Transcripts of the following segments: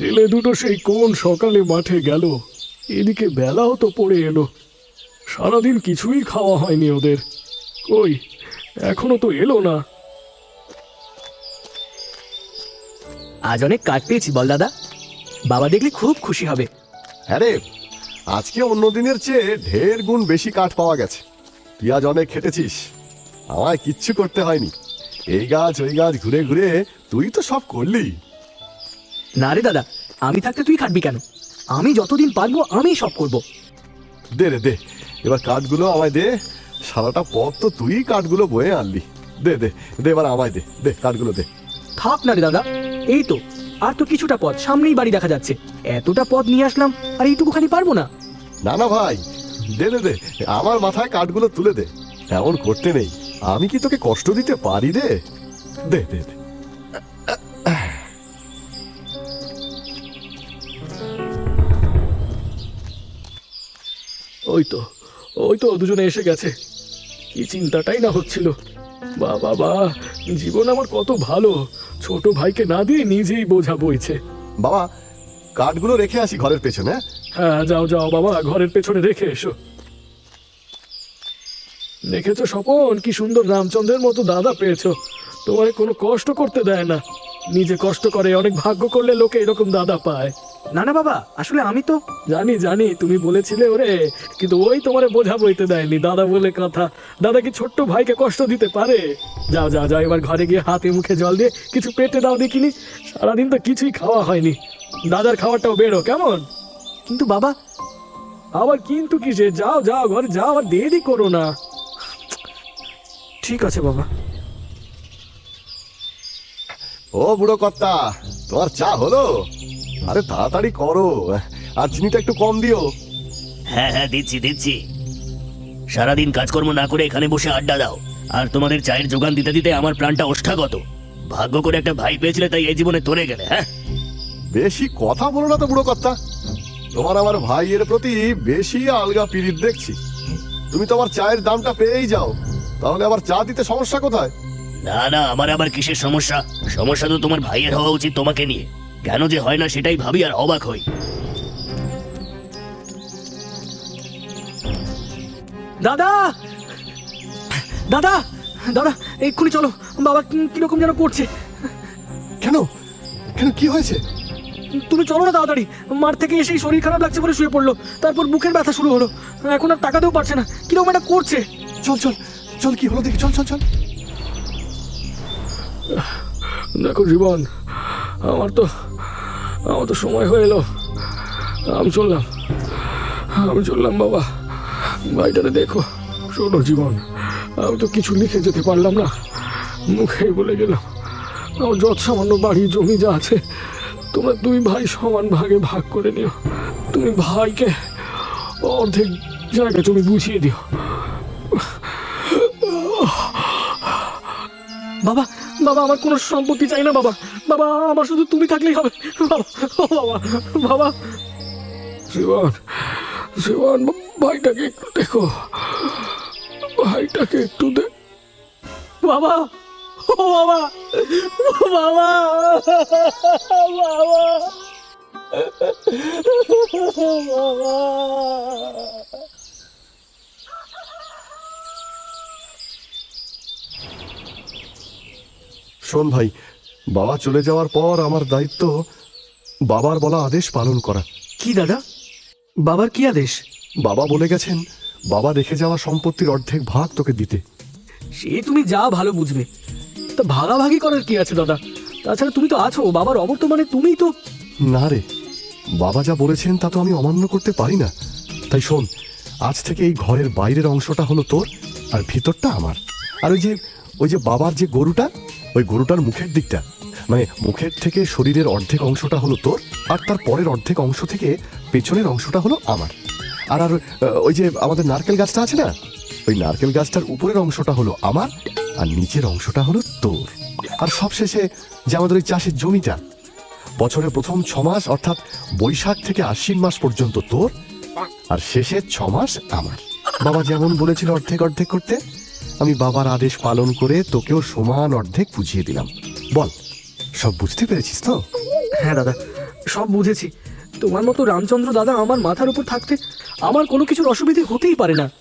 ছেলে দুটো সেই কোন সকালে মাঠে গেল, এদিকে বেলাও তো পড়ে এলো। সারাদিন কিছুই খাওয়া হয়নি ওদের। কই, এখনো তো এলো না। আজ অনেক কাঠ পেয়েছি বল দাদা, বাবা দেখলে খুব খুশি হবে। আরে আজকে অন্য দিনের চেয়ে ঢের গুণ বেশি কাঠ পাওয়া গেছে। তুই আজ অনেক খেটেছিস, আমায় কিচ্ছু করতে হয়নি। এই গাছ ওই গাছ ঘুরে ঘুরে তুই তো সব করলি। না রে দাদা, আমি থাকতে তুই খাটবি কেন? আমি যতদিন পারবো আমি সব করব। দে রে দে, এবার কাঠগুলো আমায় দে। সারাটা পথ তো তুই কাঠগুলো বয়ে আনলি। দে দে দে, এবার আমায় দে, দে কাঠগুলো দে। থাক না রে দাদা, এই তো আর তো কিছুটা পথ, সামনেই বাড়ি দেখা যাচ্ছে। এতটা পথ নিয়ে আসলাম আর এইটুকুখানি পারবো না। না না ভাই, দে দে দে, আমার মাথায় কাঠগুলো তুলে দে। এমন করতে নেই, আমি কি তোকে কষ্ট দিতে পারি রে? দে দে দে। ওই তো দুজনে এসে গেছে। কি চিন্তাটাই না হচ্ছিল। বাবা বা, জীবন আমার কত ভালো, ছোট ভাইকে না দিয়ে নিজেই বোঝা বইছে। বাবা, কাঠগুলো রেখে আসি ঘরের পেছনে। হ্যাঁ যাও যাও বাবা, ঘরের পেছনে রেখে এসো। দেখেছো স্বপন, কি সুন্দর রামচন্দ্রের মতো দাদা পেয়েছো। তোমার কোনো কষ্ট করতে দেয় না, নিজে কষ্ট করে। অনেক ভাগ্য করলে লোকে এরকম দাদা পায়। না না বাবা, আসলে আমি তো জানি জানি, তুমি বলেছিলে ওরে, কিন্তু ওই তোমারে বোঝা বইতে দেয়নি। দাদা বলে কথা, দাদা কি ছোট্ট ভাইকে কষ্ট দিতে পারে? যাও যাও যাও, এবার ঘরে গিয়ে হাতে মুখে জল দিয়ে কিছু পেটে দাও দেখিনি। সারাদিন তো কিছুই খাওয়া হয়নি। দাদার খাবারটাও বেরো কেমন? কিন্তু বাবা। আবার কিন্তু কিসে? যাও যাও ঘরে যাও, আর দেরি করো না। ঠিক আছে বাবা। ও বুড়ো কর্তা, তোমার চা হলো? আরে তাড়াতাড়ি করো, আর চিনিটা একটু কম দিও। হ্যাঁ হ্যাঁ, দিচ্ছি দিচ্ছি। সারাদিন কাজকর্ম না করে এখানে বসে আড্ডা দাও, আর তোমাদের চায়ের যোগান দিতে দিতে আমার প্রাণটা ওষ্ঠাগত। ভাগ্য করে একটা ভাই পেয়েছিলে, তাই এই জীবনে তরে গেলে। হ্যাঁ, বেশি কথা বলো না তো বুড়ো কর্তা। তোমার আমার ভাইয়ের প্রতি বেশি আলগা পিরিত দেখছি। তুমি তোমার চায়ের দামটা পেয়েই যাও, তাহলে আবার চা দিতে সমস্যা কোথায়? না না, আমার আবার কিসের সমস্যা? সমস্যা তো তোমার ভাইয়ের হওয়া উচিত তোমাকে নিয়ে। কেন যে হয় না সেটাই ভাবি আর অবাক হই। দাদা দাদা দাদা, এক্ষুনি চলো। বাবা কিরকম যেন করছে। কেন কেন, কি হয়েছে? তুমি চলো না তাড়াতাড়ি। মাঠ থেকে এসেই শরীর খারাপ লাগছে বলে শুয়ে পড়লো, তারপর বুকের ব্যথা শুরু হলো, এখন আর টাকাতেও পারছে না, কিরকম একটা করছে। চল চল চল, কি হলো দেখি, চল চল চল। দেখো জীবন, আমার তো সময় হয়ে এলো। আমি চললাম বাবা। ভাইটারে দেখো। শোনো জীবন, আমি তো কিছু লিখে যেতে পারলাম না, মুখেই বলে গেলাম। আমার যত সামান্য বাড়ি জমি যা আছে, তোমরা দুই ভাই সমান ভাগে ভাগ করে নিও। তুমি ভাইকে অর্ধেক জায়গা জমি বুঝিয়ে দিও। বাবা বাবা, আমার কোনো সম্পত্তি চাই না বাবা। বাবা, আমার শুধু তুমি থাকলেই হবে বাবা। ও বাবা, বাবা। জীবন, ভাইটাকে একটু দেখো, ভাইটাকে একটু বাবা, ও বাবা, ও বাবা, বাবা। শোন ভাই, বাবা চলে যাওয়ার পর আমার দায়িত্ব বাবার বলা আদেশ পালন করা। কি দাদা, বাবার কি আদেশ? বাবা বলে গেছেন বাবা রেখে যাওয়া সম্পত্তির অর্ধেক ভাগ তোকে দিতে। সে তুমি যা ভালো বুঝবে। তা ভাগাভাগি করার কি আছে দাদা? তাছাড়া তুমি তো আছো, বাবার অবর্তমানে তুমিই তো। না রে, বাবা যা বলেছেন তা তো আমি অমান্য করতে পারি না। তাই শোন, আজ থেকে এই ঘরের বাইরের অংশটা হলো তোর, আর ভিতরটা আমার। আর ওই যে বাবার যে গরুটা, ওই গরুটার মুখের দিকটা, মানে মুখের থেকে শরীরের অর্ধেক অংশটা হলো তোর, আর তার পরের অর্ধেক অংশ থেকে পেছনের অংশটা হলো আমার। আর আর ওই যে আমাদের নারকেল গাছটা আছে না, ওই নারকেল গাছটার উপরের অংশটা হলো আমার, আর নিচের অংশটা হলো তোর। আর সবশেষে যে আমাদের ওই চাষের জমিটা, বছরের প্রথম 6 মাস অর্থাৎ বৈশাখ থেকে আশ্বিন মাস পর্যন্ত তোর, আর শেষের 6 মাস আমার। বাবা যেমন বলেছিল অর্ধেক অর্ধেক করতে, আমি বাবার আদেশ পালন করে তোকেও সমান অর্ধেক বুঝিয়ে দিলাম। বল, সব বুঝতে পেরেছিস তো? হ্যাঁ দাদা, সব বুঝেছি। তোমার মতো রামচন্দ্র দাদা আমার মাথার উপর থাকতে আমার কোনো কিছুর অসুবিধে হতেই পারে না।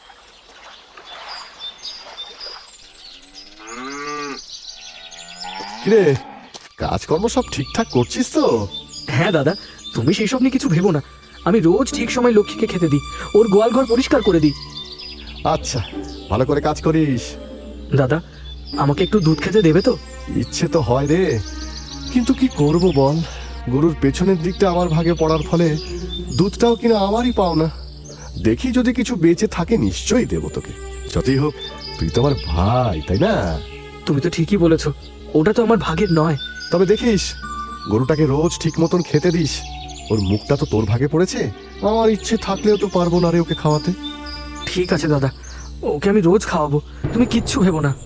কিরে, কাজকর্ম সব ঠিকঠাক করছিস তো? হ্যাঁ দাদা, তুমি সেই সব নিয়ে কিছু ভেবো না। আমি রোজ ঠিক সময় লক্ষ্মীকে খেতে দিই, ওর গোয়াল ঘর পরিষ্কার করে দিই। আচ্ছা, ভালো করে কাজ করিস। দাদা, আমাকে একটু দুধ খেতে দেবে তো? ইচ্ছে তো হয় রে, কিন্তু কি করব বল, গরুর পেছনের দিকটা আমার ভাগে পড়ার ফলে দুধটাও কিনা আমারই পাও না। দেখি যদি কিছু বেঁচে থাকে নিশ্চয়ই দেবো তোকে। যতই হোক তুই তো আমার ভাই, তাই না? তুমি তো ঠিকই বলেছো, ওটা তো আমার ভাগের নয়। তবে দেখিস গরুটাকে রোজ ঠিক মতন খেতে দিস। ওর মুখটা তো তোর ভাগে পড়েছে, আমার ইচ্ছে থাকলেও তো পারবো না রে ওকে খাওয়াতে। ঠিক আছে দাদা, ওকে আমি রোজ খাওয়াবো, তুমি কিচ্ছু ভেবো না।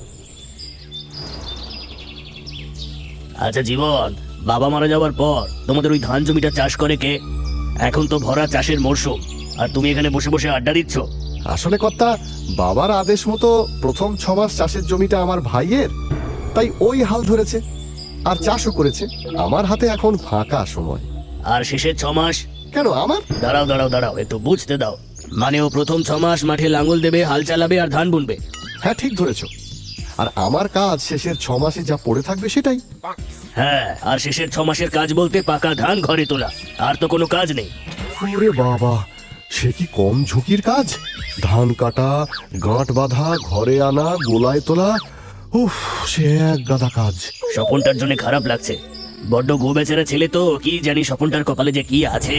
আচ্ছা জীবন, বাবা মারা যাওয়ার পর তোমাদের ওই ধান জমিটা চাষ করে কে? এখন তো ভরা চাষের মরশুম, আর তুমি এখানে বসে বসে আড্ডা দিচ্ছ। আসলে কর্তা, বাবার আদেশ মতো প্রথম 6 মাস চাষের জমিটা আমার ভাইয়ের, তাই ওই হাল ধরেছে আর চাষও করেছে। আমার হাতে এখন ফাঁকা সময়। আর শেষের 6 মাস? কেন আমার? দাঁড়াও দাঁড়াও দাঁড়াও, একটু বুঝতে দাও। মানে ও প্রথম 6 মাস মাঠে লাঙল দেবে, হাল চালাবে আর ধান বুনবে। হ্যাঁ, ঠিক ধরেছ। আর আমার কাজ শেষের 6 মাসে যা পড়ে থাকবে সেটাই। হ্যাঁ, আর শেষের 6 মাসের কাজ বলতে পাকা ধান ঘরে তোলা, আর তো কোনো কাজ নেই। ওরে বাবা, সে কি কম ঝুঁকির কাজ! ধান কাটা, গাঁট বাঁধা, ঘরে আনা, গোলায় তোলা, উফ, সে এক গাদা কাজ। স্বপনটার জন্য খারাপ লাগছে, বড্ড গো বেচারা ছেলে তো, কি জানি স্বপনটার কপালে যে কি আছে।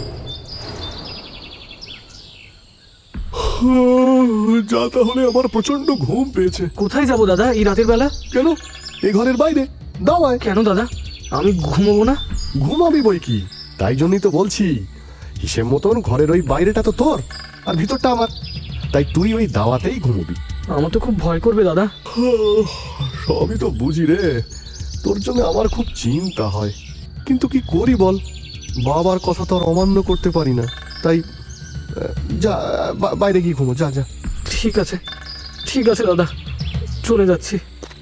যা, তাহলে আমার প্রচন্ড ঘুম পেয়েছে। কোথায় যাবো দাদা এই রাতের বেলা? কেন? এই ঘরের বাইরে দাওয়ায়। কেন দাদা, আমি ঘুমোবো না? ঘুমাবি বই কি, তাই জন্যই তো বলছি। হিসেব মতন ঘরের ওই বাইরেটা তো তোর আর ভিতরটা আমার, তাই তুই ওই দাওয়াতেই ঘুমবি। আমার তো খুব ভয় করবে দাদা। সবই তো বুঝি রে, তোর জন্য আমার খুব চিন্তা হয়, কিন্তু কি করি বল, বাবার কথা তো আর অমান্য করতে পারি না। তাই যা, বাইরে গিয়ে ঘুমো, যা যা। ঠিক আছে, ঠিক আছে দাদা, চলে যাচ্ছি।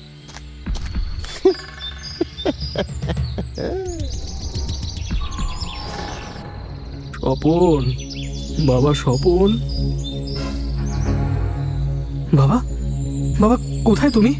স্বপন, বাবা স্বপন। বাবা, বাবা কোথায় তুমি?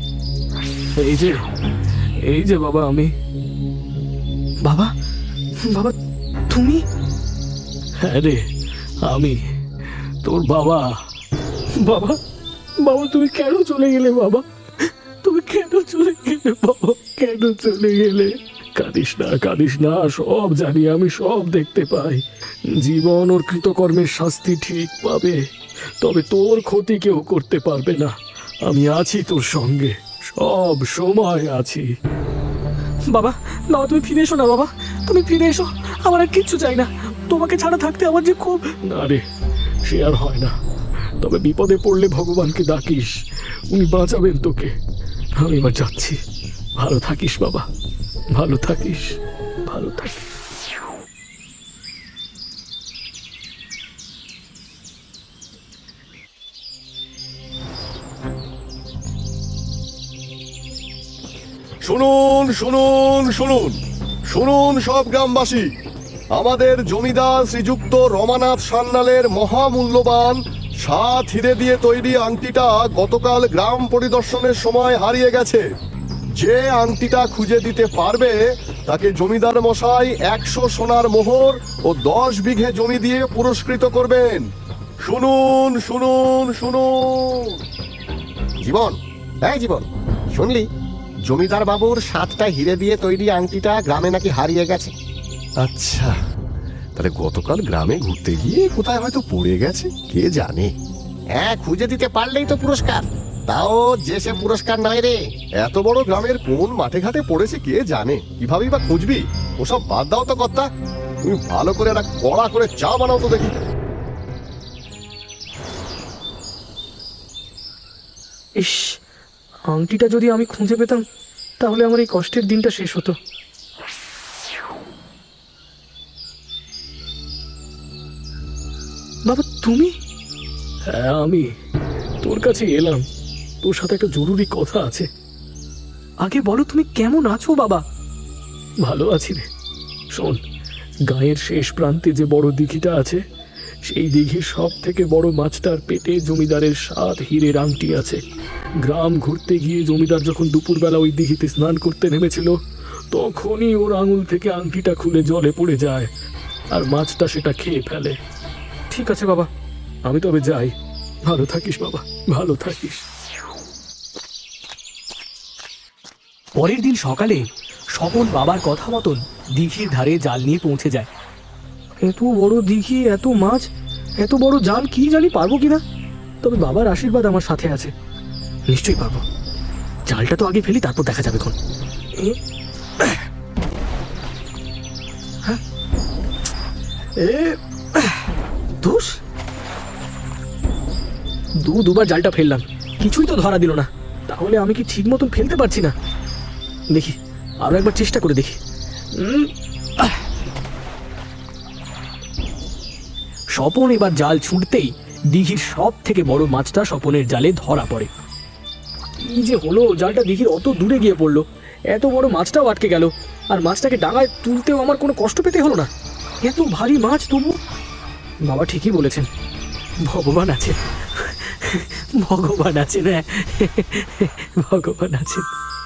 এই যে বাবা আমি। বাবা, বাবা তুমি? হ্যাঁ রে, আমি তোর বাবা। বাবা, বাবা তুমি কেন চলে গেলে বাবা? তুমি কেন চলে গেলে বাবা? কেন চলে গেলে? কাঁদিস না, কাঁদিস না, সব জানি আমি, সব দেখতে পাই। জীবন ওর কৃতকর্মের শাস্তি ঠিক পাবে, তবে তোর ক্ষতি কেউ করতে পারবে না। আমি আছি তোর সঙ্গে, সব সময় আছি। বাবা, বাবা তুমি ফিরে এসো না বাবা, তুমি ফিরে এসো, আমার আর কিচ্ছু চাই না। তোমাকে ছাড়া থাকতে আমার যে খুব... না রে, সে আর হয় না। তবে বিপদে পড়লে ভগবানকে ডাকিস, উনি বাঁচাবেন তোকে। আমি এবার যাচ্ছি, ভালো থাকিস বাবা, ভালো থাকিস, ভালো থাকিস। শুনুন শুনুন শুনুন শুনুন সব গ্রামবাসী, আমাদের জমিদার শ্রীযুক্ত রমানাথ সান্যালের মহামূল্যবান 7 হিরে দিয়ে তৈরি আংটিটা গতকাল গ্রাম পরিদর্শনের সময় হারিয়ে গেছে। যে আংটিটা খুঁজে দিতে পারবে তাকে জমিদার মশাই 100 সোনার মোহর ও 10 বিঘে জমি দিয়ে পুরস্কৃত করবেন। শুনুন শুনুন শুনুন। জীবন, এই জীবন, শুনলি জমিদার বাবুর 7টা হিরে দিয়ে তৈরি আংটিটা গ্রামে নাকি হারিয়ে গেছে। আচ্ছা, তাহলে গতকাল গ্রামে ঘুরতে গিয়ে কোথায় হয়তো পড়ে গেছে, কে জানে। হ্যাঁ, খুঁজে দিতে পারলেই তো পুরস্কার, তাও যে সে পুরস্কার নয় রে। এত বড় গ্রামের কোন মাঠে ঘাটে পড়েছে কে জানে, কিভাবেই বা খুঁজবি? ওসব বাদ দাও তো কর্তা, তুমি ভালো করে একটা কড়া করে চা বানাও তো দেখি। ইস, আংটিটা যদি আমি খুঁজে পেতাম তাহলে আমার এই কষ্টের দিনটা শেষ হতো। বাবা তুমি? হ্যাঁ, আমি তোর কাছে এলাম, তোর সাথে একটা জরুরি কথা আছে। আগে বলো তুমি কেমন আছো বাবা? ভালো আছি রে। শোন, গায়ের শেষ প্রান্তে যে বড় দিঘিটা আছে, সেই দিঘির সব থেকে বড় মাছটার পেটে জমিদারের 7 হীরের আংটি আছে। গ্রাম ঘুরতে গিয়ে জমিদার যখন দুপুরবেলা ওই দিঘিতে স্নান করতে নেমেছিল, তখনই ওর আঙুল থেকে আংটিটা খুলে জলে পড়ে যায়, আর মাছটা সেটা খেয়ে ফেলে। ঠিক আছে বাবা। আমি তবে যাই। ভালো থাকিস বাবা, ভালো থাকিস। পরের দিন সকালে স্বপন বাবার কথা মতন দিঘির ধারে জাল নিয়ে পৌঁছে যায়। এত বড় দিঘি, এত মাছ, এত বড় জাল, কি জানি পারবো কিনা। তবে বাবার আশীর্বাদ আমার সাথে আছে, নিশ্চয়ই পারবো। জালটা তো আগে ফেলি, তারপর দেখা যাবে কোন। ধুস, দুবার জালটা ফেললাম, কিছুই তো ধরা দিল না। তাহলে আমি কি ঠিক মতন ফেলতে পারছি না? দেখি, আরো একবার চেষ্টা করে দেখি। স্বপন এবার জাল ছুঁড়তেই দিঘির সব থেকে বড় মাছটা স্বপনের জালে ধরা পড়ে। এই যে হলো, জালটা দিঘির অত দূরে গিয়ে পড়লো, এত বড় মাছটাও আটকে গেল, আর মাছটাকে ডাঙায় তুলতেও আমার কোনো কষ্ট পেতে হলো না। এত ভারী মাছ তবু। বাবা ঠিকই বলেছেন, ভগবান আছেন, ভগবান আছেন, হ্যাঁ, ভগবান আছেন।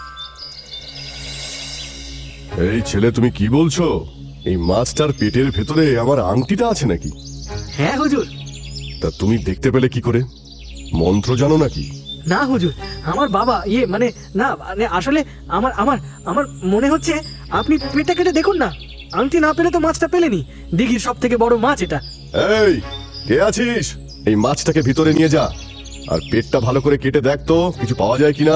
এই ছেলে, তুমি কি বলছো? এই মাছটার পেটের ভেতরে আমার আংটিটা আছে নাকি? হ্যাঁ হুজুর। তা তুমি দেখতে পেলে কি করে? মন্ত্র জানো নাকি? না হুজুর, আমার বাবা মানে না, মানে আসলে আমার আমার আমার মনে হচ্ছে আপনি পেটটা কেটে দেখুন না। আংটি না পেলে তো মাছটা পেলেনি, দিঘির সব থেকে বড় মাছ এটা। এই, কে আছিস? এই মাছটাকে ভিতরে নিয়ে যা, আর পেটটা ভালো করে কেটে দেখ তো কিছু পাওয়া যায় কিনা।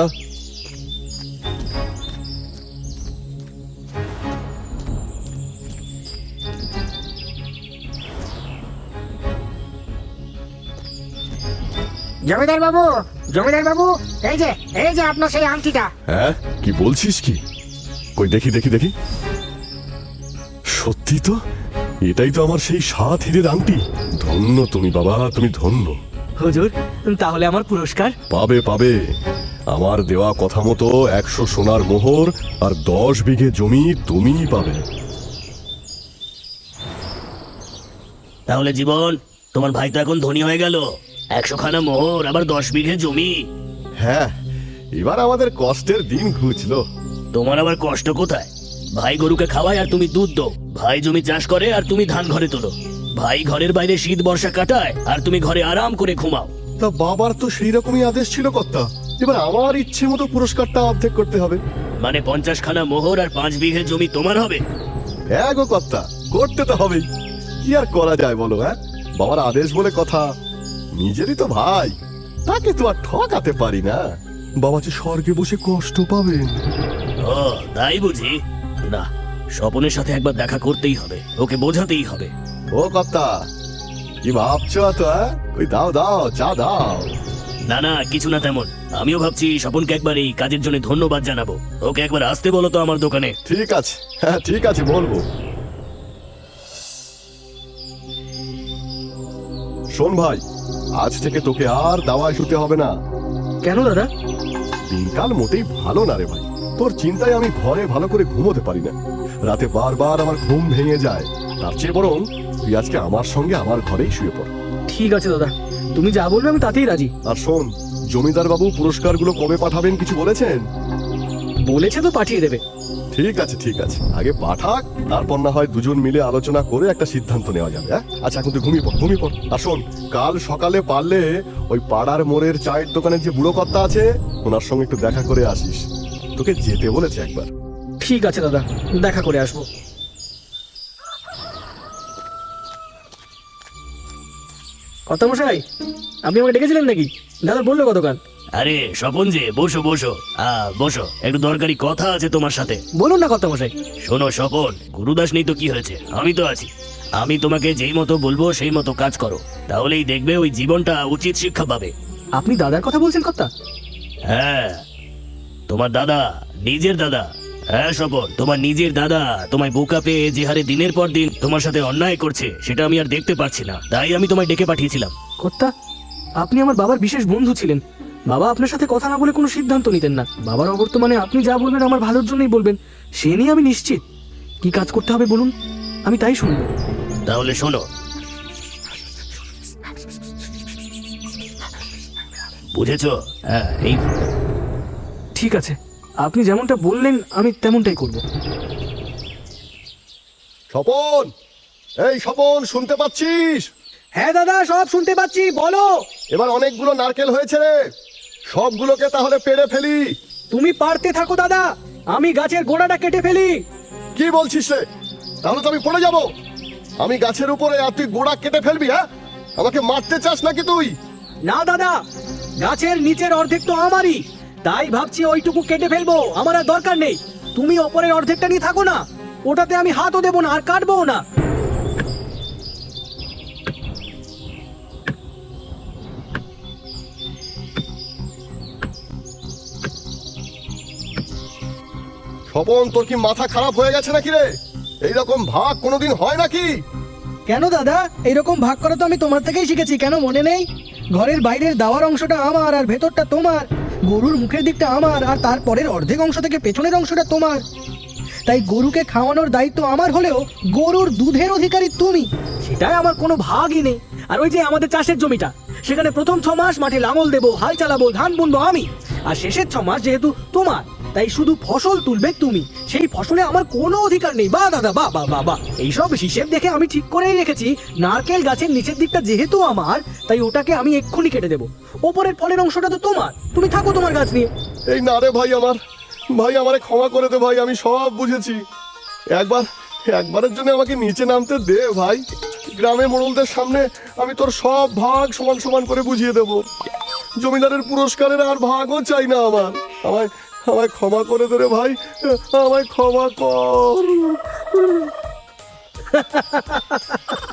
জমিদার বাবু, জমিদার বাবু, এই যে আপনার সেই আংটিটা। হ্যাঁ, কি বলছিস কি? কই দেখি দেখি দেখি। সত্যি তো, এটাই তো আমার সেই 7 হীরের আংটি। ধন্য তুমি বাবা, তুমি ধন্য। হুজুর, তাহলে আমার পুরস্কার? পাবে পাবে। আমার দেওয়া কথা মতো 100 সোনার মোহর আর 10 বিঘে জমি তুমিই পাবে। তাহলে জীবন, তোমার ভাই তো এখন ধনী হয়ে গেল। 100 খানা মোহর, আবার 10 বিঘে জমি। হ্যাঁ, এবার আমাদের কষ্টের দিন ঘুচলো। তোমার আবার কষ্ট কোথায়? ভাই গরুকে খাওয়ায় আর তুমি দুধ দো, ভাই জমি চাষ করে আর তুমি ধান ঘরে তোলো, ভাই ঘরের বাইরে শীত বর্ষা কাটায় আর তুমি ঘরে আরাম করে ঘুমাও। তা বাবার তো সেই রকমই আদেশ ছিল কর্তা। এবার আমার ইচ্ছে মতো পুরস্কারটা অর্ধেক করতে হবে। মানে 50 খানা মোহর আর 5 বিঘে জমি তোমার হবে? হ্যাঁ গো কর্তা, করতে তো হবেই। কি আর করা যায় বলো? হ্যাঁ, বাবার আদেশ বলে কথা। নিজেরই তো ভাই, তাকে তো আর ঠকাতে পারি না। বাবা যে স্বর্গে বসে কষ্ট পাবেন। ও তাই বুঝি? না, স্বপনের সাথে একবার দেখা করতেই হবে, ওকে বোঝাতেই হবে। ও কর্তা, কি ভাবছো তো? ওই দাও দাও, চা দাও। না না, কিছু না তেমন। আমিও ভাবছি স্বপনকে একবার এই কাজের জন্য ধন্যবাদ জানাবো। ওকে একবার আসতে বলো তো আমার দোকানে। ঠিক আছে, হ্যাঁ ঠিক আছে, বলবো। শোন ভাই, আজ থেকে তোকে আর দাওয়ায় শুতে হবে না। কেন দাদা? দিনকাল মোটেই ভালো না রে ভাই। তোর চিন্তায় আমি ঘরে ভালো করে ঘুমোতে পারি না। রাতে বারবার আমার ঘুম ভেঙে যায়। তার চেয়ে বরং তুই আজকে আমার সঙ্গে আমার ঘরেই শুয়ে পড়। ঠিক আছে দাদা, তুমি যা বলবে আমি তাতেই রাজি। আর শোন, জমিদার বাবু পুরস্কারগুলো কবে পাঠাবেন কিছু বলেছেন? বলেছে তো পাঠিয়ে দেবে। ঠিক আছে ঠিক আছে, আগে পাঠাক, তারপর না হয় দুজন মিলে আলোচনা করে একটা সিদ্ধান্ত নেওয়া যাবে। হ্যাঁ, আচ্ছা এখন তুই ঘুমিয়ে পড়, ঘুমিয়ে পড়। আর শোন, কাল সকালে পারলে ওই পাড়ার মোড়ের চায়ের দোকানের যে বুড়ো কর্তা আছে, ওনার সঙ্গে একটু দেখা করে আসিস। তোকে যেতে বলেছে একবার। ঠিক আছে দাদা, দেখা করে আসবো। কর্তামশাই, আপনি আমাকে ডেকেছিলেন নাকি? দাদা বললো কতক্ষণ? আরে স্বপন যে, বসো বসো, বসো, একটু দরকারি কথা আছে তোমার সাথে। বলুন না কর্তামশাই। শোনো স্বপন, গুরুদাস নেই তো কি হয়েছে, আমি তো আছি। আমি তোমাকে যেই মতো বলবো সেই মতো কাজ করো, তাহলেই দেখবে ওই জীবনটা উচিত শিক্ষা পাবে। আপনি দাদার কথা বলছেন কর্তা? হ্যাঁ, তোমার দাদা, নিজের দাদা। হ্যাঁ স্বপন, তোমার নিজের দাদা তোমায় বোকা পেয়ে যে হারে দিনের পর দিন তোমার সাথে অন্যায় করছে, সেটা আমি আর দেখতে পারছি না, তাই আমি তোমায় ডেকে পাঠিয়েছিলাম। কর্তা, আপনি আমার বাবার বিশেষ বন্ধু ছিলেন। বাবা আপনার সাথে কথা না বলে কোনো সিদ্ধান্ত নিতেন না। বাবার অবর্তমানে আপনি যা বলবেন আমার ভালোর জন্যই বলবেন, সে নিয়ে আমি নিশ্চিত। কি কাজ করতে হবে বলুন? আমি তাই শুনবো। তাহলে শোনো, বুঝেছো? হ্যাঁ, এই ঠিক আছে, আপনি যেমনটা বললেন আমি তেমনটাই করব। স্বপন, এই স্বপন, শুনতে পাচ্ছিস? হ্যাঁ দাদা, সব শুনতে পাচ্ছি, বলো। এবার অনেকগুলো নারকেল হয়েছে রে, সবগুলোকে তাহলে পেড়ে ফেলি। তুমি পারতে থাকো দাদা, আমি গাছের গোড়াটা কেটে ফেলি। কি বলছিস রে? তাহলে তো আমি পড়ে যাব। আমি গাছের উপরে আর তুই গোড়া কেটে ফেলবি? হ্যাঁ, আমাকে মারতে চাস নাকি তুই? না দাদা, গাছের নিচের অর্ধেক তো আমারই, তাই ভাবছি ওইটুকু কেটে ফেলবো, আমার আর দরকার নেই। তুমি ওপরের অর্ধেকটা নিয়ে থাকো না, ওটাতে আমি হাতও দেবো না আর কাটবো না। স্বপন, তোর কি মাথা খারাপ হয়ে গেছে নাকি রে? এইরকম ভাগ কোনোদিন হয় নাকি? কেন দাদা, এরকম ভাগ করা তো আমি তোমার থেকেই শিখেছি, কেন মনে নেই? ঘরের বাইরের দাওয়ার অংশটা আমার আর ভেতরটা তোমার, গরুর মুখের দিকটা আমার আর তারপরের অর্ধেক অংশ থেকে পেছনের অংশটা তোমার। তাই গরুকে খাওয়ানোর দায়িত্ব আমার হলেও গরুর দুধের অধিকারী তুমি, সেটাই আমার কোনো ভাগই নেই। আর ওই যে আমাদের চাষের জমিটা, সেখানে প্রথম 6 মাস মাঠে লাঙল দেবো, হাল চালাবো, ধান বুনবো আমি, আর শেষের 6 মাস যেহেতু তোমার, তাই শুধু ফসল তুলবে তুমি, সেই ফসলে আমার কোনো অধিকার নেই। বা দাদা, বা বা বা বা এইসব হিসেব দেখে আমি ঠিক করেই রেখেছি, নারকেল গাছের নিচের দিকটা যেহেতু আমার, তাই ওটাকে আমি এক্ষুনি কেটে দেবো। ওপরের ফলের অংশটা তো তোমার, তুমি থাকো তোমার গাছ নিয়ে। এই না রে ভাই, ভাই আমারে ক্ষমা করে দে ভাই, আমি সব বুঝেছি। একবারের জন্য আমাকে নিচে নামতে দে ভাই। গ্রামে মোড়লদের সামনে আমি তোর সব ভাগ সমান সমান করে বুঝিয়ে দেব। জমিদারের পুরস্কারের আর ভাগও চাই না আমার। আমায় ক্ষমা করে দে রে ভাই, আমায় ক্ষমা কর।